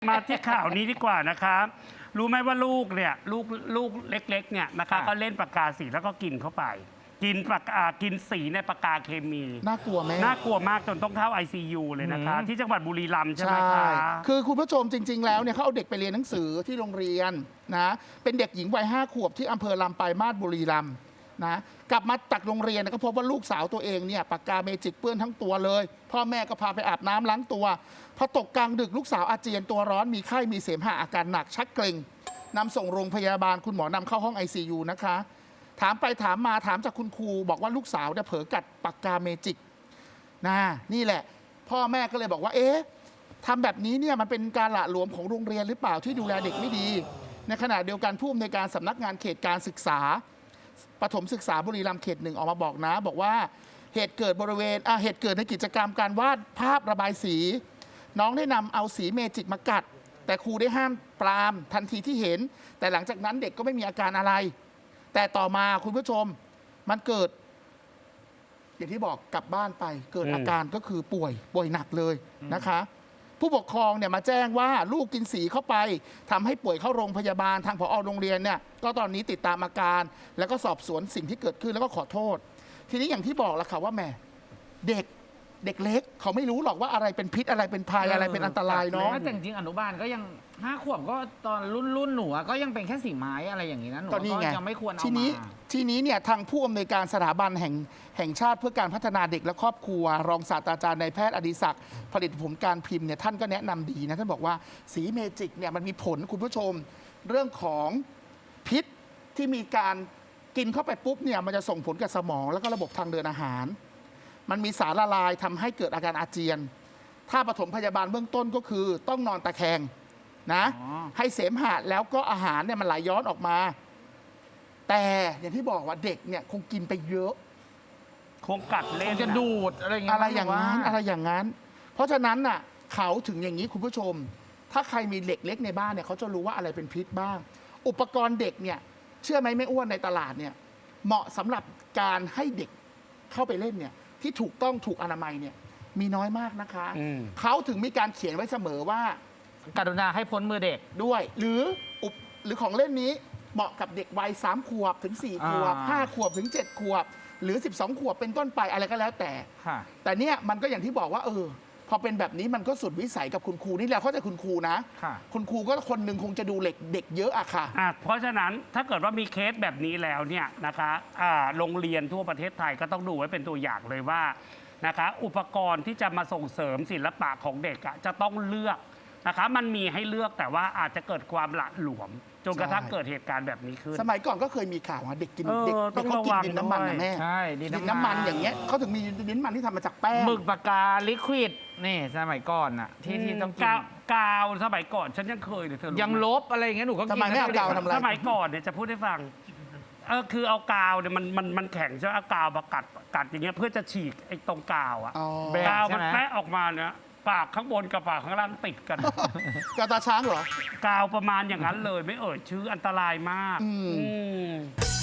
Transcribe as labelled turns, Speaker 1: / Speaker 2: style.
Speaker 1: มาที่ข่าวนี้ดีกว่านะคะรู้ไหมว่าลูกเนี่ยลูกเล็กๆเนี่ยนะคะก็เล่นปากกาสีแล้วก็กินเข้าไป กินสีในปากกาเคมี
Speaker 2: น่ากลัวไหม
Speaker 1: น่ากลัวมากจนต้องเข้า ICU เลยนะคะที่จังหวัดบุรีรัมย์ใช่ไหมคะ
Speaker 2: คือคุณผู้ชมจริงๆแล้วเนี่ยเขาเอาเด็กไปเรียนหนังสือที่โรงเรียนนะเป็นเด็กหญิงวัย5 ขวบที่อำเภอลำปลายมาศบุรีรัมย์นะกลับมาจากโรงเรียนก็พบว่าลูกสาวตัวเองเนี่ยปากกาเมจิกเปื้อนทั้งตัวเลยพ่อแม่ก็พาไปอาบน้ำล้างตัวพอตกกลางดึกลูกสาวอาเจียนตัวร้อนมีไข้มีเสมหะอาการหนักชักเกร็งนำส่งโรงพยาบาลคุณหมอนำเข้าห้อง ICU นะคะถามไปถามมาถามจากคุณครูบอกว่าลูกสาวเนี่ยเผลอกัดปากกาเมจิกนี่แหละพ่อแม่ก็เลยบอกว่าทำแบบนี้เนี่ยมันเป็นการหละหลวมของโรงเรียนหรือเปล่าที่ดูแลเด็กไม่ดีในขณะเดียวกันผู้อำนวยการสำนักงานเขตการศึกษาประถมศึกษาบุรีรัมย์เขต 1ออกมาบอกนะบอกว่าเหตุเกิดในกิจกรรมการวาดภาพระบายสีน้องได้นำเอาสีเมจิกมากัดแต่ครูได้ห้ามปรามทันทีที่เห็นแต่หลังจากนั้นเด็กก็ไม่มีอาการอะไรแต่ต่อมาคุณผู้ชมมันเกิดอย่างที่บอกกลับบ้านไปเกิดอาการก็คือป่วยหนักเลยนะคะผู้ปกครองเนี่ยมาแจ้งว่าลูกกินสีเข้าไปทำให้ป่วยเข้าโรงพยาบาลทางผอ.โรงเรียนเนี่ยก็ตอนนี้ติดตามอาการแล้วก็สอบสวนสิ่งที่เกิดขึ้นแล้วก็ขอโทษทีนี้อย่างที่บอกละค่ะว่าแม่เด็กเล็กเขาไม่รู้หรอกว่าอะไรเป็นพิษอะไรเป็นภัยอะไรเป็นอันตรายเนาะ
Speaker 3: แต่จริงอนุบาลก็ยัง5 ขวบก็ตอนรุ่นหนูก็ยังเป็นแค่สีไม้อะไรอย่างนี้นะหนูก็ยังไม่ควรเอามา
Speaker 2: ทีนี้เนี่ยทางผู้อำนวยการสถาบันแห่งชาติเพื่อการพัฒนาเด็กและครอบครัวรองศาสตราจารย์นายแพทย์อดิศักดิ์ผลิตผลการพิมพ์เนี่ยท่านก็แนะนำดีนะท่านบอกว่าสีเมจิกเนี่ยมันมีผลคุณผู้ชมเรื่องของพิษที่มีการกินเข้าไปปุ๊บเนี่ยมันจะส่งผลกับสมองแล้วก็ระบบทางเดินอาหารมันมีสารละลายทำให้เกิดอาการอาเจียนถ้าปฐมพยาบาลเบื้องต้นก็คือต้องนอนตะแคงนะให้เสมหะแล้วก็อาหารเนี่ยมันไหลย้อนออกมาแต่อย่างที่บอกว่าเด็กเนี่ยคงกินไปเยอะ
Speaker 1: คงกัดเล่น
Speaker 3: จะดูดอะไรอย่าง
Speaker 2: นั้นเพราะฉะนั้นน่ะเขาถึงอย่างนี้คุณผู้ชมถ้าใครมีเด็กเล็กในบ้านเนี่ยเขาจะรู้ว่าอะไรเป็นพิษบ้างอุปกรณ์เด็กเนี่ยเชื่อไหมไม่อ้วนในตลาดเนี่ยเหมาะสำหรับการให้เด็กเข้าไปเล่นเนี่ยที่ถูกต้องถูกอนามัยเนี่ยมีน้อยมากนะคะเขาถึงมีการเขียนไว้เสมอว่าก
Speaker 3: รุณาให้พ้นมือเด็ก
Speaker 2: ด้วยหรือของเล่นนี้เหมาะกับเด็กวัย3 ขวบถึง4 ขวบ5 ขวบถึง7 ขวบหรือ12 ขวบเป็นต้นไปอะไรก็แล้วแต่เนี่ยมันก็อย่างที่บอกว่าพอเป็นแบบนี้มันก็สุดวิสัยกับคุณครูนี่แหละเข้าใจคุณครูนะคุณครูก็คนหนึ่งคงจะดูเด็กเยอะอะค่ะ
Speaker 1: เพราะฉะนั้นถ้าเกิดว่ามีเคสแบบนี้แล้วเนี่ยนะคะโรงเรียนทั่วประเทศไทยก็ต้องดูไว้เป็นตัวอย่างเลยว่านะคะอุปกรณ์ที่จะมาส่งเสริมศิลปะของเด็กจะต้องเลือกนะคะมันมีให้เลือกแต่ว่าอาจจะเกิดความหละหลวมจนกระทั่งเกิดเหตุการณ์แบบนี้ขึ้น
Speaker 2: สมัยก่อนก็เคยมีข่าวว่าเด็กกินเขากินดินน้ำมันนะแม่
Speaker 3: ใช่
Speaker 2: ดินน้ำมันอย่างเงี้ยเขาถึงมีดินน้ำมันที่ทำมาจากแป้ง
Speaker 3: หมึกปากกาลิควิดนี่สมัยก่อนอะที่ต้องกิน
Speaker 1: กาวสมัยก่อนฉันยังเคยเลยเธอ
Speaker 3: ยังลบอะไรอย่างเงี้ยหนูก็กิน
Speaker 2: ทำไมไม่เอากาวทำอะไร
Speaker 1: สมัยก่อนเนี่ยจะพูดให้ฟังคือเอากาวเนี่ยมันแข็งใช่ไหมเอากาวมากัดอย่างเงี้ยเพื่อจะฉีกไอ้ตรงกาวอะกาวมันแปะออกมาเนี่ยปากข้างบนกับปากข้างล่างติดกัน
Speaker 2: กาวตาช้างเหรอ
Speaker 1: กาวประมาณอย่างนั้นเลยไม่เอ่ยชื่ออันตรายมาก